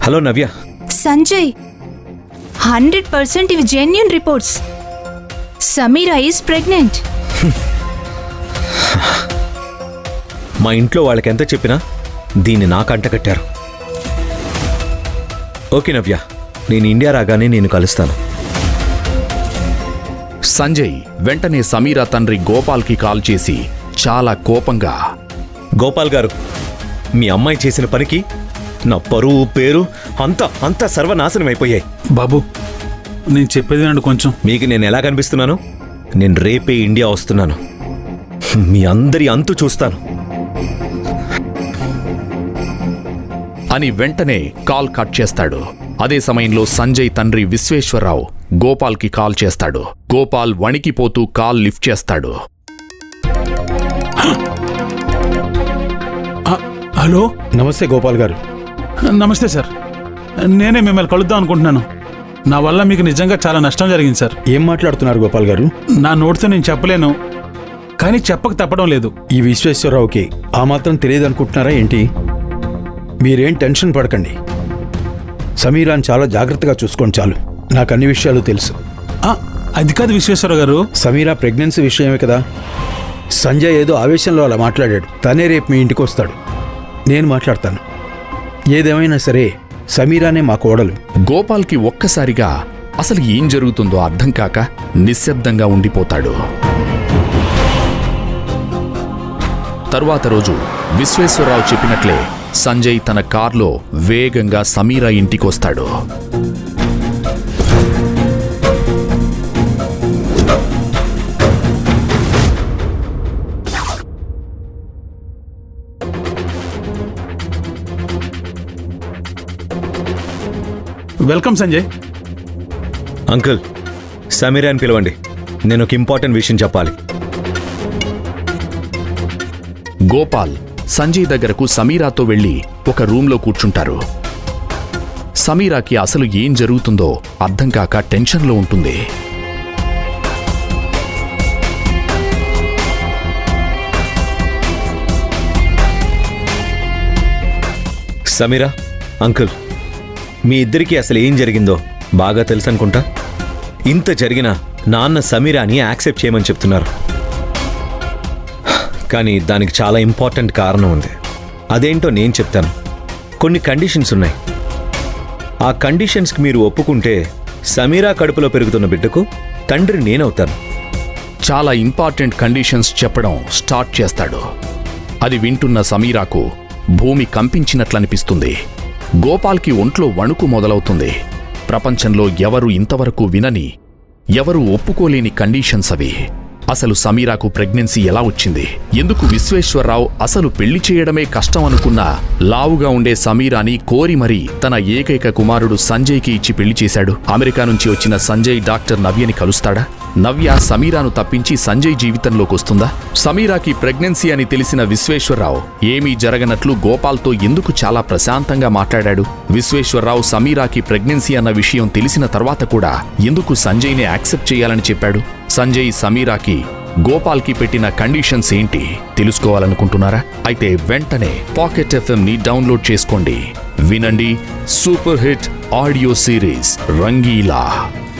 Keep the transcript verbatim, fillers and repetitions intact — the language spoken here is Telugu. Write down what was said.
Hello Navya. Sanjay, hundred percent ఇవి genuine reports. Sameera is pregnant. మా ఇంట్లో వాళ్ళకి ఎంత చెప్పినా దీన్ని నాకు అంటకట్టారు. ఓకే నవ్య, నేను ఇండియా రాగానే నేను కలుస్తాను. సంజయ్ వెంటనే సమీరా తండ్రి గోపాల్కి కాల్ చేసి చాలా కోపంగా, గోపాల్ గారు, మీ అమ్మాయి చేసిన పనికి నా పరువు పేరు అంతా అంతా సర్వనాశనం అయిపోయాయి. బాబు, నేను చెప్పేది వినండి కొంచెం. మీకు నేను ఎలా కనిపిస్తున్నాను? నేను రేపే ఇండియా వస్తున్నాను. మీ అందరి అంతు చూస్తాను అని వెంటనే కాల్ కట్ చేస్తాడు. అదే సమయంలో సంజయ్ తండ్రి విశ్వేశ్వరరావు గోపాల్కి కాల్ చేస్తాడు. గోపాల్ వణికిపోతూ కాల్ లిఫ్ట్ చేస్తాడు. హలో. నమస్తే గోపాల్ గారు. నమస్తే సార్, నేనే మిమ్మల్ని కలుద్దాం అనుకుంటున్నాను. నా వల్ల మీకు నిజంగా చాలా నష్టం జరిగింది సార్. ఏం మాట్లాడుతున్నారు గోపాల్ గారు? నా నోటితో నేను చెప్పలేను, కానీ చెప్పక తప్పడం లేదు. ఈ విశ్వేశ్వరరావుకి ఆ మాత్రం తెలియదు అనుకుంటున్నారా ఏంటి? మీరేం టెన్షన్ పడకండి. సమీరాని చాలా జాగ్రత్తగా చూసుకోండి చాలు. నాకు అన్ని విషయాలు తెలుసు. అది కాదు విశ్వేశ్వరరావు గారు, సమీరా ప్రెగ్నెన్సీ విషయమే కదా. సంజయ్ ఏదో ఆవేశంలో అలా మాట్లాడాడు. తనే రేపు మీ ఇంటికి వస్తాడు, నేను మాట్లాడతాను. ఏదేమైనా సరే సమీరానే మా కోడలు. గోపాల్కి ఒక్కసారిగా అసలు ఏం జరుగుతుందో అర్థం కాక నిశ్శబ్దంగా ఉండిపోతాడు. తరువాత రోజు విశ్వేశ్వరరావు చెప్పినట్లే సంజయ్ తన కార్లో వేగంగా సమీరా ఇంటికొస్తాడు. వెల్కమ్ సంజయ్. అంకుల్, సమీరా అని పిలవండి. నేను ఒక ఇంపార్టెంట్ విషయం చెప్పాలి. గోపాల్ సంజయ్ దగ్గరకు సమీరాతో వెళ్లి ఒక రూంలో కూర్చుంటారు. సమీరాకి అసలు ఏం జరుగుతుందో అర్థం కాక టెన్షన్లో ఉంటుంది. సమీరా, అంకుల్, మీ ఇద్దరికీ అసలు ఏం జరిగిందో బాగా తెలుసు అనుకుంటా. ఇంత జరిగినా నాన్న సమీరాని యాక్సెప్ట్ చేయమని చెప్తున్నారు. కానీ దానికి చాలా ఇంపార్టెంట్ కారణం ఉంది. అదేంటో నేను చెప్తాను. కొన్ని కండిషన్స్ ఉన్నాయి. ఆ కండిషన్స్కి మీరు ఒప్పుకుంటే సమీరా కడుపులో పెరుగుతున్న బిడ్డకు తండ్రి నేనవుతాను. చాలా ఇంపార్టెంట్ కండిషన్స్ చెప్పడం స్టార్ట్ చేస్తాడు. అది వింటున్న సమీరాకు భూమి కంపించినట్లనిపిస్తుంది. గోపాల్కి ఒంట్లో వణుకు మొదలవుతుంది. ప్రపంచంలో ఎవరు ఇంతవరకు వినని, ఎవరు ఒప్పుకోలేని కండిషన్స్ అవి. అసలు సమీరాకు ప్రెగ్నెన్సీ ఎలా వచ్చింది? ఎందుకు విశ్వేశ్వరరావు అసలు పెళ్లి చేయడమే కష్టం అనుకున్న లావుగా ఉండే సమీరాని కోరి మరీ తన ఏకైక కుమారుడు సంజయ్కి ఇచ్చి పెళ్లి చేశాడు? అమెరికా నుంచి వచ్చిన సంజయ్ డాక్టర్ నవ్యని కలుస్తాడా? నవ్య సమీరాను తప్పించి సంజయ్ జీవితంలోకి వస్తుందా? సమీరాకి ప్రెగ్నెన్సీ అని తెలిసిన విశ్వేశ్వరరావు ఏమీ జరగనట్లు గోపాల్తో ఎందుకు చాలా ప్రశాంతంగా మాట్లాడాడు? విశ్వేశ్వరరావు సమీరాకి ప్రెగ్నెన్సీ అన్న విషయం తెలిసిన తర్వాత కూడా ఎందుకు సంజయ్ని యాక్సెప్ట్ చేయాలని చెప్పాడు? సంజయ్ సమీరాకి గోపాల్కి పెట్టిన కండిషన్స్ ఏంటి తెలుసుకోవాలనుకుంటున్నారా? అయితే వెంటనే పాకెట్ ఎఫ్ఎం ని డౌన్లోడ్ చేసుకోండి. వినండి super hit audio series Rangeela.